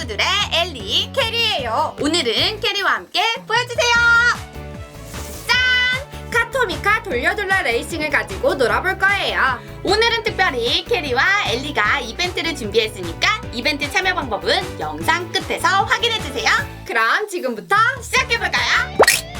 친구들의 엘리, 캐리예요. 오늘은 캐리와 함께 보여주세요. 짠! 카토미카 돌려돌라 레이싱을 가지고 놀아볼 거예요. 오늘은 특별히 캐리와 엘리가 이벤트를 준비했으니까 이벤트 참여 방법은 영상 끝에서 확인해주세요. 그럼 지금부터 시작해볼까요?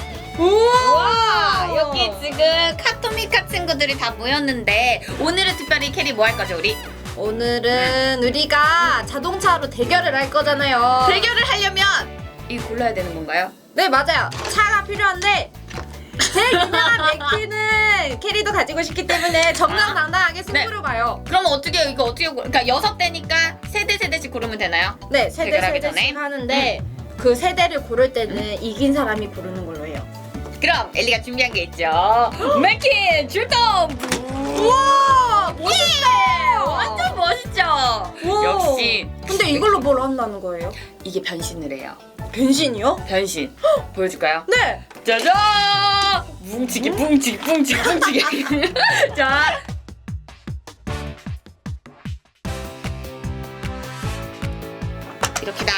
우와! 여기 지금 카토미카 친구들이 다 모였는데 오늘은 특별히 캐리 뭐 할 거죠, 우리? 오늘은 우리가 자동차로 대결을 할 거잖아요. 대결을 하려면 이거 골라야 되는 건가요? 네, 맞아요. 차가 필요한데 제일 유명한 맥키는 캐리도 가지고 싶기 때문에 정정당당하게 승부로 가요. 그럼 어떻게 이거 어떻게 그러니까 6대니까 세대씩 고르면 되나요? 네, 세대 대결하기 세대씩 전에? 하는데 그 세대를 고를 때는 이긴 사람이 고르는 걸로 해요. 그럼 엘리가 준비한 게 있죠. 맥킨 출동! 우와! 멋있다! 완전 멋있죠? 우와. 역시 근데 이걸로 뭘 한다는 거예요? 이게 변신을 해요. 변신이요? 변신 보여줄까요? 네! 짜잔! 뭉치기 자 이렇게다.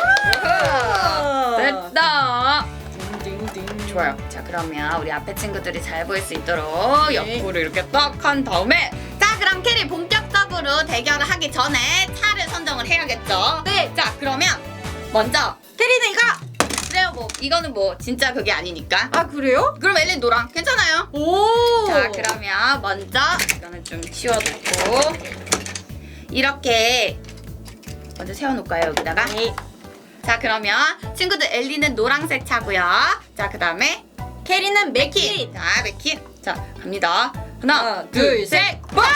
됐다. 좋아요. 자, 그러면 우리 앞에 친구들이 잘 보일 수 있도록 네. 옆으로 이렇게 딱 한 다음에 자, 그럼 캐리 본격적으로 대결을 하기 전에 차를 선정을 해야겠죠? 네! 자, 그러면 먼저 캐리는 이거! 그래요. 뭐 이거는 뭐 진짜 그게 아니니까. 아, 그래요? 그럼 엘린 노랑 괜찮아요. 오! 자, 그러면 먼저 이거는 좀 치워놓고 이렇게 먼저 세워놓을까요, 여기다가? 네. 자, 그러면 친구들 엘리는 노란색 차고요. 자, 그 다음에 캐리는 맥키! 자, 맥킨. 자, 갑니다. 하나, 하나, 둘, 둘, 셋. 와우!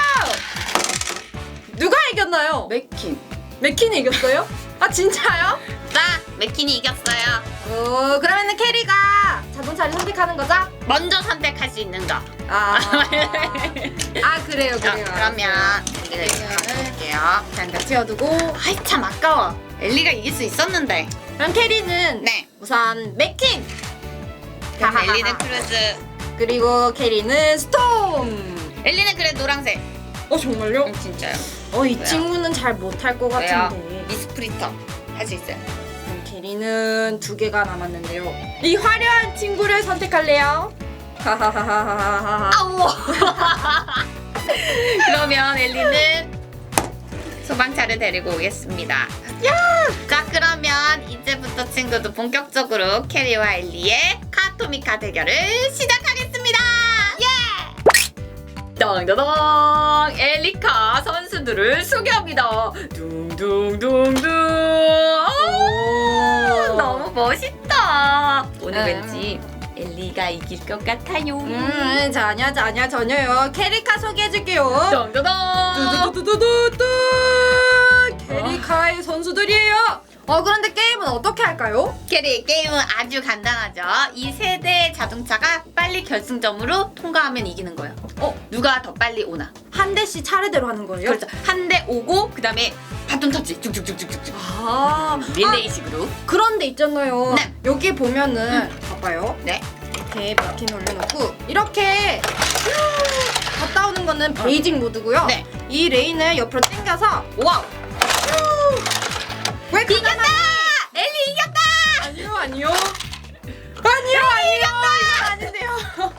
누가 이겼나요? 맥킨. 맥키는 이겼어요? 아, 진짜요? 자, 맥킨이 이겼어요. 오, 그러면은 캐리가 자동차를 선택하는 거죠? 먼저 선택할 수 있는 거. 아, 아 그래요, 자, 그래요. 그러면 엘리를 해볼게요. 잠깐 치워두고. 아이, 참 아까워. 엘리가 이길 수 있었는데. 그럼 캐리는 네. 우선 맥킨. 그럼 하하하하. 엘리는 크루즈. 그리고 캐리는 스톰. 엘리는 그래 노란색. 정말요? 진짜요. 이 왜요? 친구는 잘 못할 것 왜요? 같은데. 미스프리터 할 수 있어요. 그럼 캐리는 2개가 남았는데요. 이 화려한 친구를 선택할래요? 하하하하하하. 아우. 그러면 엘리는 소방차를 데리고 오겠습니다. 자, 그러면 이제부터 친구도 본격적으로 캐리와 엘리의 카토미카 대결을 시작하겠습니다. 예! 땅다당 엘리카 선수들을 소개합니다. 둥둥둥둥. 오, 너무 멋있다. 오늘 왠지 엘리가 이길 것 같아요. 전혀요. 캐리카 소개해줄게요. 땅다당. 두두두두두두. 캐리카의 선수들이에요. 그런데 게임은 어떻게 할까요? 캐리 게임은 아주 간단하죠. 이 세대의 자동차가 빨리 결승점으로 통과하면 이기는 거예요. 누가 더 빨리 오나? 한 대씩 차례대로 하는 거예요? 그렇죠. 한 대 오고 그 다음에 바톤 터치 쭉쭉쭉쭉쭉. 릴레이식으로. 그런데 있잖아요. 네. 여기 보면은 봐봐요. 네. 이렇게 바퀴 올려놓고 이렇게 갔다 오는 거는 베이징 모드고요. 네. 이 레인을 옆으로 당겨서 와우. 왜 이겼다! 엘리 이겼다! 아니요. 이거 아닌데요.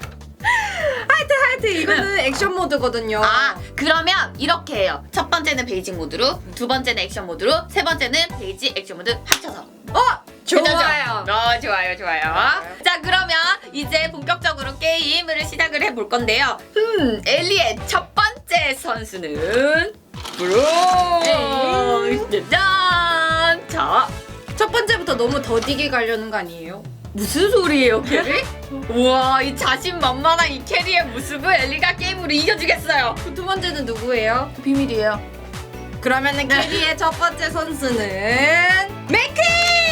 하여튼 이거는 액션 모드거든요. 아, 그러면 이렇게 해요. 첫 번째는 베이징 모드로, 두 번째는 액션 모드로, 세 번째는 베이지 액션 모드 합쳐서. 좋아요. 좋아요. 자, 그러면 이제 본격적으로 게임을 시작을 해볼 건데요. 엘리의 첫 번째 선수는 브로. 짠! 자, 첫 번째부터 너무 더디게 가려는 거 아니에요? 무슨 소리예요, 캐리? 우와, 이 자신만만한 이 캐리의 모습을 엘리가 게임으로 이겨주겠어요. 두 번째는 누구예요? 비밀이에요. 그러면은 캐리의 첫 번째 선수는 맥키!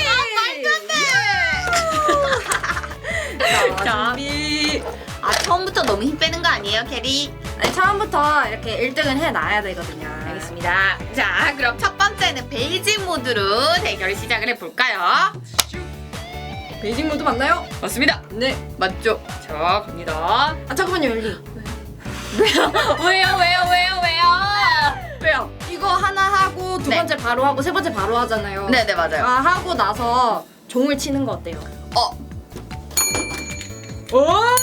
자, 자, 준비. 처음부터 너무 힘 빼는 거 아니에요, 캐리? 아니, 처음부터 이렇게 1등은 해놔야 되거든요. 알겠습니다. 자, 그럼 첫 번째는 베이징 모드로 대결을 시작을 해볼까요? 베이징 모드 맞나요? 맞습니다. 네. 맞죠? 자, 갑니다. 잠깐만요, 엘리. 왜요? 왜요? 이거 하나 하고 두 네. 번째 바로 하고 세 번째 바로 하잖아요. 네네 맞아요. 하고 나서 종을 치는 거 어때요? 오!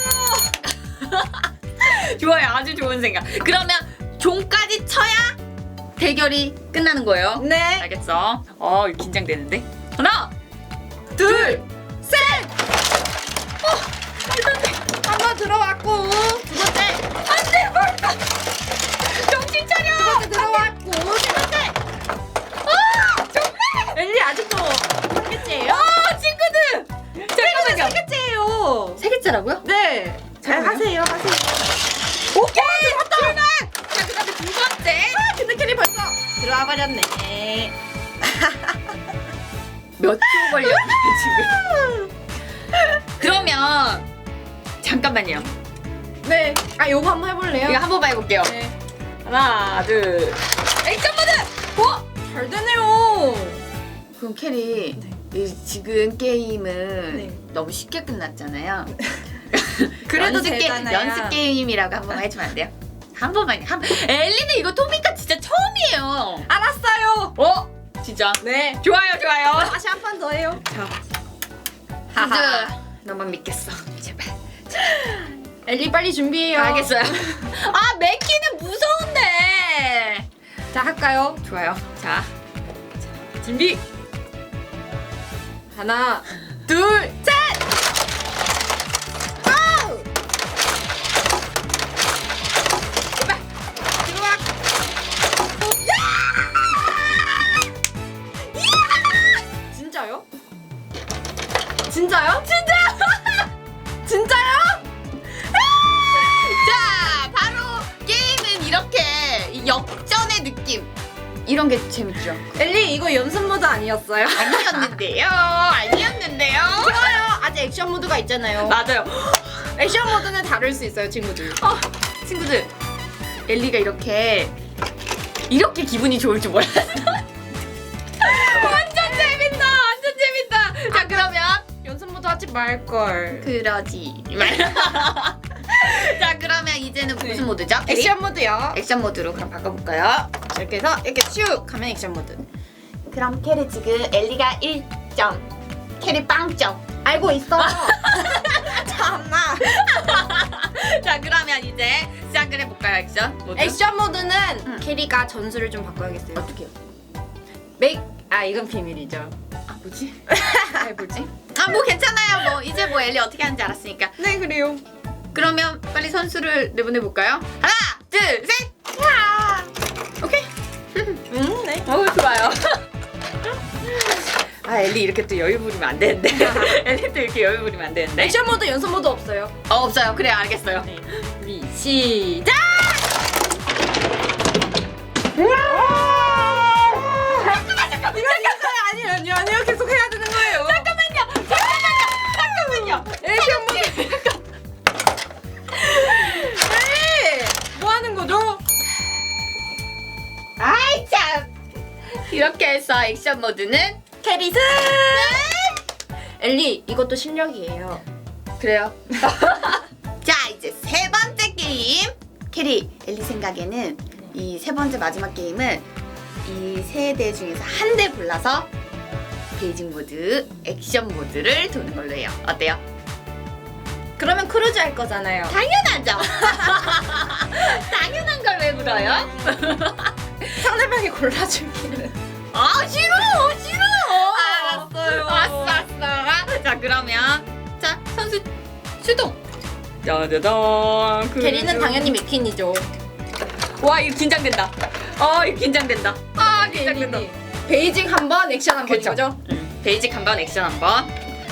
좋아요. 아주 좋은 생각. 그러면 종까지 쳐야 대결이 끝나는 거예요. 네. 알겠어. 긴장되는데. 하나, 둘, 셋. 한번 들어왔고 두 번째. 안돼 뭘까? 정신 차려. 두 번째 들어왔고 세 번째. 정말. 엘리 아직도 한 개째예요? 친구들. 잠깐만요. 세 개째예요. 세 개째라고요? 네. 잘 잠깐만요. 하세요. 오케이. 들어왔다. 자 그다음에 두 번째. 근데 캐리 벌써 들어와 버렸네. 몇 초 걸렸나요 지금? 그러면 잠깐만요. 네. 요거 한번 해볼래요? 이거 한 번만 해볼게요. 네. 하나, 둘. 액션 모드. 잘 되네요. 그럼 캐리 네. 지금 게임은 네. 너무 쉽게 끝났잖아요. 그래도 연습 되잖아요. 연습 게임이라고 한 번만 해주면 안 돼요? 한 번만요. 엘리는 이거 토미카 진짜 처음이에요. 알았어요. 진짜. 네. 좋아요, 좋아요. 다시 한 판 더 해요. 진짜 너만 믿겠어. 제발. 엘리 빨리 준비해요. 알겠어요. 맥키는 무서운데. 자, 할까요? 좋아요. 자, 준비. 하나, 둘, 셋! 고! 제발 들어와. 진짜요? 진짜요? 진짜요? 자, 바로 게임은 이렇게 이 역전의 느낌. 이런 게 재밌죠. 엘리 이거 연습 모드 아니었어요? 아니었는데요. 아니었는데요. 좋아요. 아직 액션 모드가 있잖아요. 맞아요. 액션 모드는 다를 수 있어요, 친구들. 친구들, 엘리가 이렇게 기분이 좋을 줄 몰랐어. 완전 재밌다. 완전 재밌다. 자, 그러면 연습 모드 하지 말걸. 그러지 말. 자, 그러면 이제는 무슨 네. 모드죠? 액션 모드요. 액션 모드로 그럼 바꿔볼까요? 이렇게 해서 이렇게 슉 하면 액션 모드. 그럼 캐리 지금 엘리가 1점, 캐리 빵점. 알고 있어. 참나. 자, 그러면 이제 시작을 해볼까요, 액션 모드? 액션 모드는 캐리가 전술을 좀 바꿔야겠어요. 어떻게요? 이건 비밀이죠. 뭐지? 뭐지? 뭐 괜찮아요. 뭐 이제 뭐 엘리 어떻게 하는지 알았으니까. 네, 그래요. 그러면 빨리 선수를 내보내볼까요? 하나, 둘, 셋! 오케이. 네. 좋아요. 엘리 이렇게 또 여유 부리면 안 되는데. 엘리 또 이렇게 여유 부리면 안 되는데. 액션 모드, 연습 모드 없어요. 없어요. 그래, 알겠어요. 시작! 아니요. 계속 해야 되는 거예요. 잠깐만요. 액션 모드. 네. 뭐 하는 거죠? 아이 참. 이렇게 해서 액션 모드는 캐리 승! 엘리, 이것도 실력이에요. 그래요. 자, 이제 세 번째 게임. 캐리, 엘리 생각에는 이 세 번째 마지막 게임은 이 세 대 중에서 한 대 골라서 베이징 모드, 액션 모드를 도는 걸로 해요. 어때요? 그러면 크루즈 할 거잖아요. 당연하죠. 당연한 걸 왜 물어요? 상대방이 골라주기는. 싫어. 알았어요. 아싸. 자, 그러면 자, 선수 출동. 짜자잔. 캐리는 당연히 맥퀸이죠. 와, 이거 긴장된다. 이거 긴장된다. 긴장된다. 베이징 한 번, 액션 한 그쵸. 번이죠? 베이직 한 번, 액션 한 번.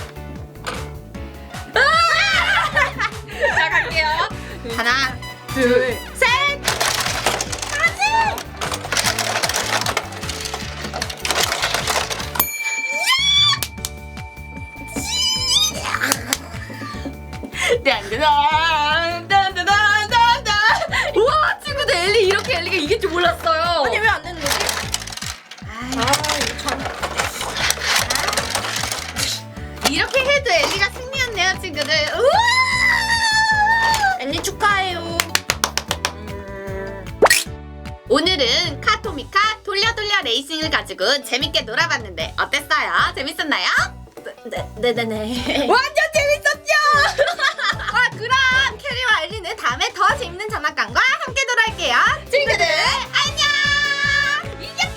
자, 갈게요. 하나, 둘, 셋! 네, 안 되나? 우와, 친구들 엘리 이렇게 엘리가 이길 줄 몰랐어요. 아니, 왜 안 되는 거지? 이거 참. 이렇게 해도 엘리가 승리였네요, 친구들. 우와! 엘리 축하해요. 오늘은 카토미카 돌려돌려 레이싱을 가지고 재밌게 놀아봤는데 어땠어요? 재밌었나요? 네네네. 완전 재밌었죠? 그럼 캐리와 엘리는 다음에 더 재밌는 장난감과 함께 놀아올게요. 친구들 안녕! 이겼다!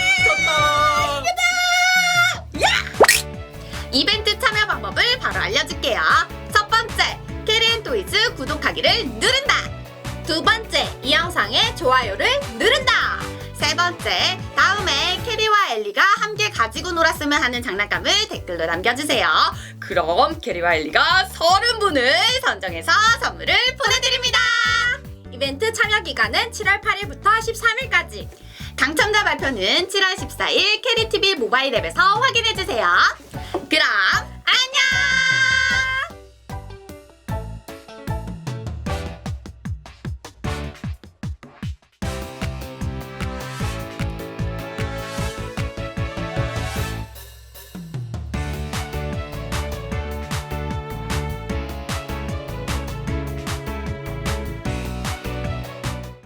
이벤트 참여 방법을 바로 알려줄게요. 첫 번째, 캐리앤토이즈 구독하기를 누른다. 두 번째, 이 영상에 좋아요를 누른다. 세 번째, 다음에 캐리와 엘리가 함께 가지고 놀았으면 하는 장난감을 댓글로 남겨주세요. 그럼 캐리와 엘리가 30분을 선정해서 선물을 보내드립니다. 이벤트 참여 기간은 7월 8일부터 13일까지. 당첨자 발표는 7월 14일 캐리TV 모바일 앱에서 확인해주세요. 그럼 안녕!